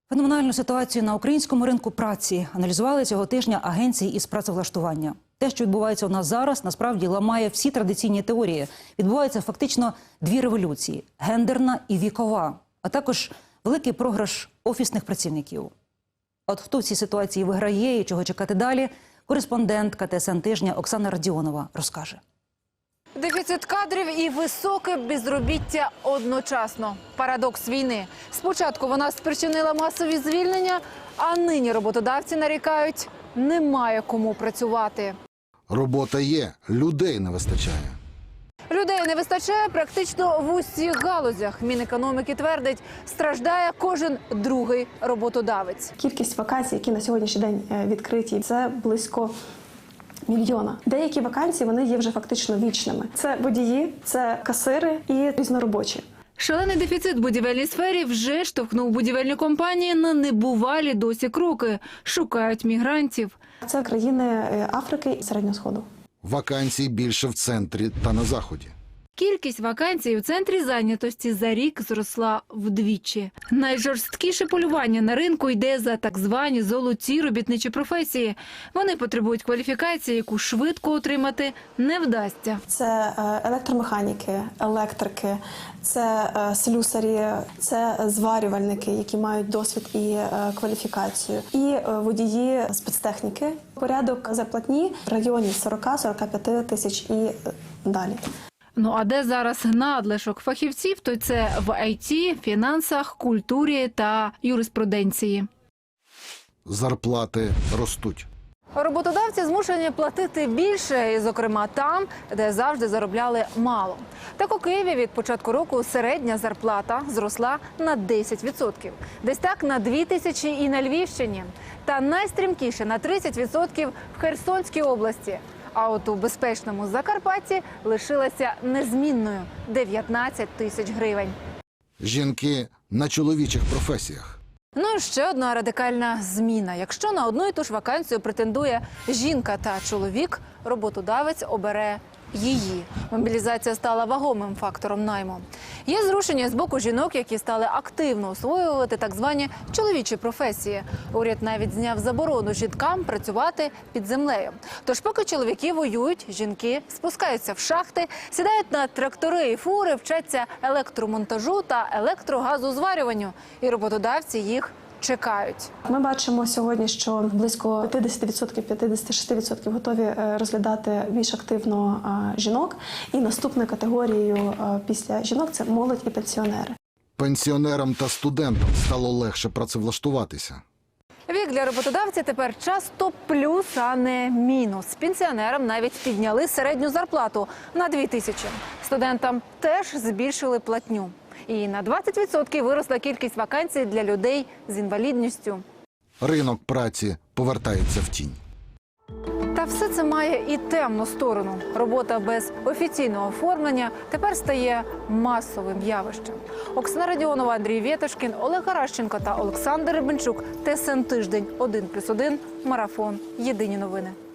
Феноменальну ситуацію на українському ринку праці аналізували цього тижня агенції із працевлаштування. Те, що відбувається у нас зараз, насправді ламає всі традиційні теорії. Відбуваються фактично дві революції – гендерна і вікова, а також великий програш офісних працівників. От хто в цій ситуації виграє і чого чекати далі, кореспондентка ТСН тижня Оксана Радіонова розкаже. Дефіцит кадрів і високе безробіття одночасно. Парадокс війни. Спочатку вона спричинила масові звільнення, а нині роботодавці нарікають – немає кому працювати. Робота є, людей не вистачає. Людей не вистачає практично в усіх галузях. Мінекономіки твердить, страждає кожен другий роботодавець. Кількість вакансій, які на сьогоднішній день відкриті, це близько мільйона. Деякі вакансії, вони є вже фактично вічними. Це водії, це касири і різноробочі. Шалений дефіцит в будівельній сфері вже штовхнув будівельні компанії на небувалі досі кроки. Шукають мігрантів. Це країни Африки і Середнього Сходу. Вакансій більше в центрі та на заході. Кількість вакансій у центрі зайнятості за рік зросла вдвічі. Найжорсткіше полювання на ринку йде за так звані золоті робітничі професії. Вони потребують кваліфікації, яку швидко отримати не вдасться. Це електромеханіки, електрики, це слюсарі, це зварювальники, які мають досвід і кваліфікацію, і водії спецтехніки. Порядок зарплатні в районі 40-45 тисяч і далі. Ну а де зараз надлишок фахівців, то це в ІТ, фінансах, культурі та юриспруденції. Зарплати ростуть. Роботодавці змушені платити більше, і, зокрема, там, де завжди заробляли мало. Так у Києві від початку року середня зарплата зросла на 10%. Десь так на 2 тисячі і на Львівщині. Та найстрімкіше на 30% в Херсонській області. А от у безпечному Закарпатті лишилася незмінною – 19 тисяч гривень. Жінки на чоловічих професіях. Ну і ще одна радикальна зміна. Якщо на одну і ту ж вакансію претендує жінка та чоловік, роботодавець обере її. Мобілізація стала вагомим фактором найму. Є зрушення з боку жінок, які стали активно освоювати так звані чоловічі професії. Уряд навіть зняв заборону жінкам працювати під землею. Тож поки чоловіки воюють, жінки спускаються в шахти, сідають на трактори і фури, вчаться електромонтажу та електрогазозварюванню. І роботодавці їх чекають. Ми бачимо сьогодні, що близько 50%, 56% готові розглядати більш активно жінок. І наступною категорією після жінок – це молодь і пенсіонери. Пенсіонерам та студентам стало легше працевлаштуватися. Вік для роботодавця тепер часто плюс, а не мінус. Пенсіонерам навіть підняли середню зарплату на 2 тисячі. Студентам теж збільшили платню. І на 20% виросла кількість вакансій для людей з інвалідністю. Ринок праці повертається в тінь. Та все це має і темну сторону. Робота без офіційного оформлення тепер стає масовим явищем. Оксана Радіонова, Андрій Вєтошкін, Олег Гаращенко та Олександр Рибенчук. ТСН тиждень 1+1. Марафон. Єдині новини.